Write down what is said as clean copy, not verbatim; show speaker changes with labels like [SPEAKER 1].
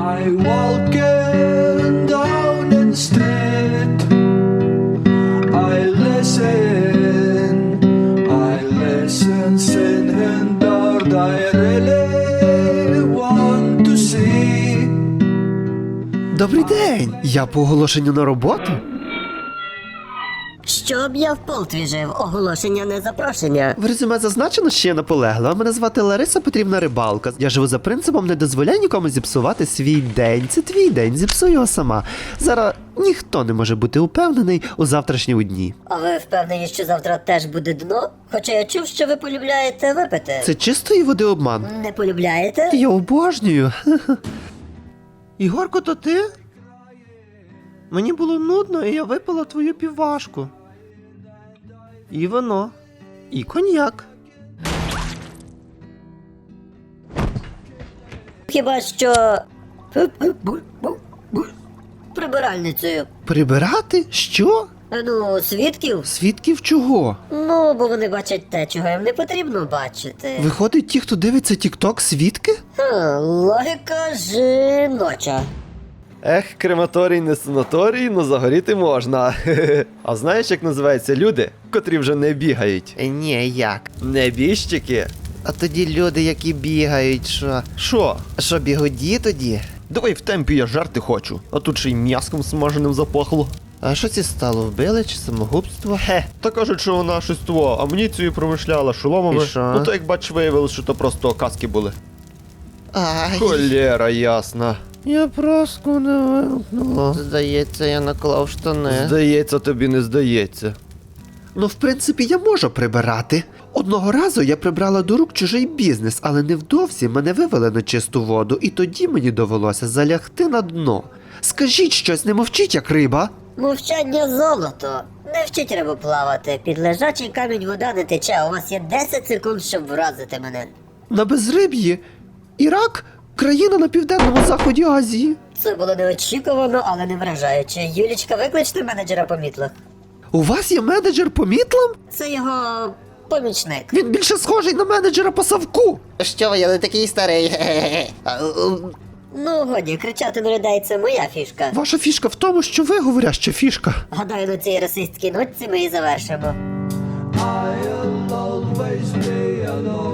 [SPEAKER 1] I walking down the street. I listen, singing that I really want to see.
[SPEAKER 2] Добрий день! Я по оголошенню на роботу.
[SPEAKER 3] Щоб я в полтві жив, оголошення не запрошення.
[SPEAKER 2] В резюме зазначено, що я наполеглива. Мене звати Лариса Петрівна Рибалка. Я живу за принципом «не дозволяй нікому зіпсувати свій день». Це твій день, зіпсуй його сама. Зараз ніхто не може бути упевнений у завтрашньому дні.
[SPEAKER 3] А ви впевнені, що завтра теж буде дно? Хоча я чув, що ви полюбляєте випити.
[SPEAKER 2] Це чистої води обман.
[SPEAKER 3] Не полюбляєте?
[SPEAKER 2] Я обожнюю. Ігорко, то ти? Мені було нудно, і я випила твою півважку. І вино. І коньяк.
[SPEAKER 3] Хіба що... прибиральницею.
[SPEAKER 2] Прибирати? Що?
[SPEAKER 3] Ну, свідків?
[SPEAKER 2] Свідків чого?
[SPEAKER 3] Ну, бо вони бачать те, чого їм не потрібно бачити.
[SPEAKER 2] Виходить, ті, хто дивиться тік-ток, свідки?
[SPEAKER 3] Логіка жіноча.
[SPEAKER 4] Ех, крематорій не санаторій, но загоріти можна. А знаєш, як називаються люди, котрі вже не бігають?
[SPEAKER 2] Ні, як?
[SPEAKER 4] Небіжчики.
[SPEAKER 2] А тоді люди, які бігають, що?
[SPEAKER 4] Що?
[SPEAKER 2] Що, бігоді тоді?
[SPEAKER 4] Давай в темпі, я жарти хочу. А тут ще й м'яском смаженим запахло.
[SPEAKER 2] А що ці стало, вбили чи самогубство?
[SPEAKER 4] Та кажуть, що вона щось того, амуніцію промишляла, шоломами.
[SPEAKER 2] І що?
[SPEAKER 4] Ну то як бач, виявилось, що то просто каски були.
[SPEAKER 2] Ай,
[SPEAKER 4] Холєра ясна.
[SPEAKER 2] я просто не вимкнула. Здається, я наклав штани.
[SPEAKER 4] Здається, тобі не здається.
[SPEAKER 2] Ну, в принципі, я можу прибирати. Одного разу я прибрала до рук чужий бізнес, але невдовзі мене вивели на чисту воду, і тоді мені довелося залягти на дно. Скажіть щось, не мовчіть, як риба.
[SPEAKER 3] Мовчання золото. Не вчить рибу плавати. Під лежачий камінь вода не тече. У вас є 10 секунд, щоб вразити мене.
[SPEAKER 2] На безриб'ї. Ірак – країна на південному заході Азії.
[SPEAKER 3] Це було неочікувано, але не вражаюче. Юлічка, викличте менеджера по мітлах.
[SPEAKER 2] У вас є менеджер по мітлам?
[SPEAKER 3] Це його помічник.
[SPEAKER 2] Він більше схожий на менеджера по совку.
[SPEAKER 3] Що ви, я не такий старий. Ну, годі, кричати на людей – це моя фішка.
[SPEAKER 2] Ваша фішка в тому, що ви говоряща фішка.
[SPEAKER 3] Гадаю, на цій расистській нотці ми і завершимо.
[SPEAKER 1] I'll always be alone.